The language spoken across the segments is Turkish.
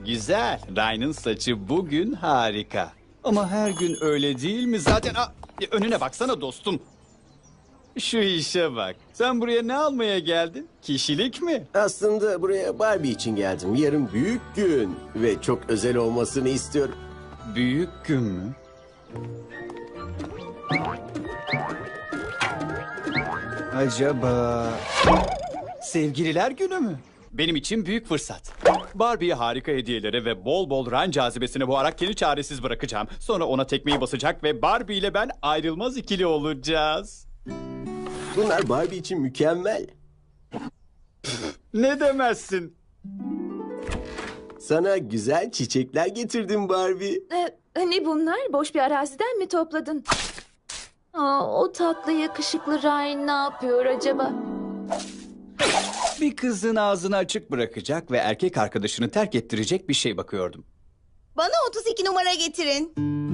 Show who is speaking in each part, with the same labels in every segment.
Speaker 1: güzel. Ryan'ın saçı bugün harika. Ama her gün öyle değil mi? Zaten önüne baksana dostum. Şu işe bak. Sen buraya ne almaya geldin? Kişilik mi?
Speaker 2: Aslında buraya Barbie için geldim. Yarın büyük gün ve çok özel olmasını istiyorum.
Speaker 1: Büyük gün mü? Acaba... Sevgililer günü mü? Benim için büyük fırsat. Barbie'ye harika hediyelere ve bol bol Ryan cazibesine boğarak kendini çaresiz bırakacağım. Sonra ona tekmeyi basacak ve Barbie ile ben ayrılmaz ikili olacağız.
Speaker 2: Bunlar Barbie için mükemmel.
Speaker 1: Ne demezsin?
Speaker 2: Sana güzel çiçekler getirdim Barbie.
Speaker 3: Ne bunlar? Boş bir araziden mi topladın? O tatlı yakışıklı Ryan ne yapıyor acaba?
Speaker 1: Bir kızın ağzını açık bırakacak ve erkek arkadaşını terk ettirecek bir şey bakıyordum.
Speaker 4: Bana 32 numara getirin.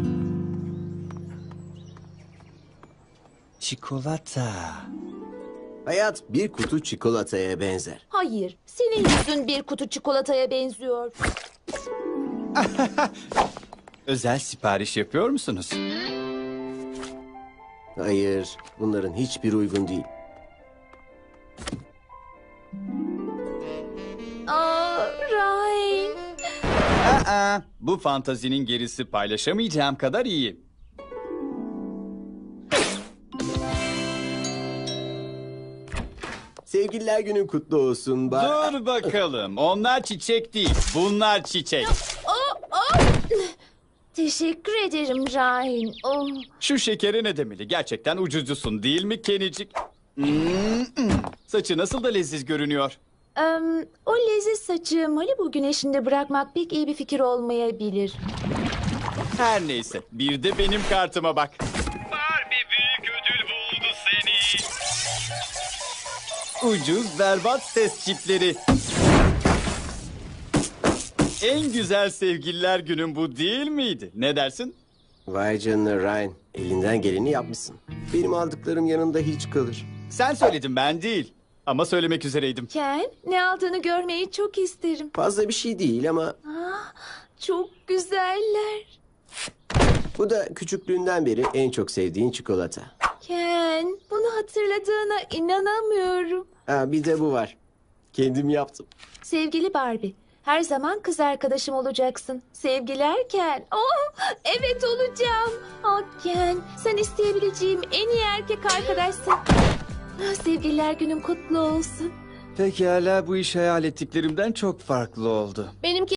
Speaker 1: Çikolata.
Speaker 2: Hayat bir kutu çikolataya benzer.
Speaker 3: Hayır, senin yüzün bir kutu çikolataya benziyor.
Speaker 1: Özel sipariş yapıyor musunuz?
Speaker 2: Hayır, bunların hiçbir uygun değil.
Speaker 3: Ryan.
Speaker 1: Bu fantazinin gerisi paylaşamayacağım kadar iyi.
Speaker 2: Sevgililer günün kutlu olsun Barbie.
Speaker 1: Dur bakalım. Onlar çiçek değil. Bunlar çiçek.
Speaker 3: Teşekkür ederim Ryan.
Speaker 1: Şu şekeri ne demeli? Gerçekten ucuzcusun değil mi Kenicik? Saçı nasıl da leziz görünüyor.
Speaker 3: O leziz saçı Malibu güneşinde bırakmak pek iyi bir fikir olmayabilir.
Speaker 1: Her neyse. Bir de benim kartıma bak. Barbie büyük ödül buldu seni. Ucuz berbat ses çipleri. En güzel sevgililer günün bu değil miydi? Ne dersin?
Speaker 2: Vay canına Ryan, elinden geleni yapmışsın. Benim aldıklarım yanında hiç kalır.
Speaker 1: Sen söyledin, ben değil. Ama söylemek üzereydim.
Speaker 3: Ken, ne aldığını görmeyi çok isterim.
Speaker 2: Fazla bir şey değil ama
Speaker 3: Çok güzeller.
Speaker 2: bu da küçüklüğünden beri en çok sevdiğin çikolata.
Speaker 3: Ken, bunu hatırladığına inanamıyorum.
Speaker 2: Bir de bu var. Kendim yaptım.
Speaker 3: Sevgili Barbie, her zaman kız arkadaşım olacaksın. Sevgiler Ken. Evet olacağım. Ken, sen isteyebileceğim en iyi erkek arkadaşsın. Sevgililer günün kutlu olsun.
Speaker 1: Pekala, bu iş hayal ettiklerimden çok farklı oldu.
Speaker 3: Benimki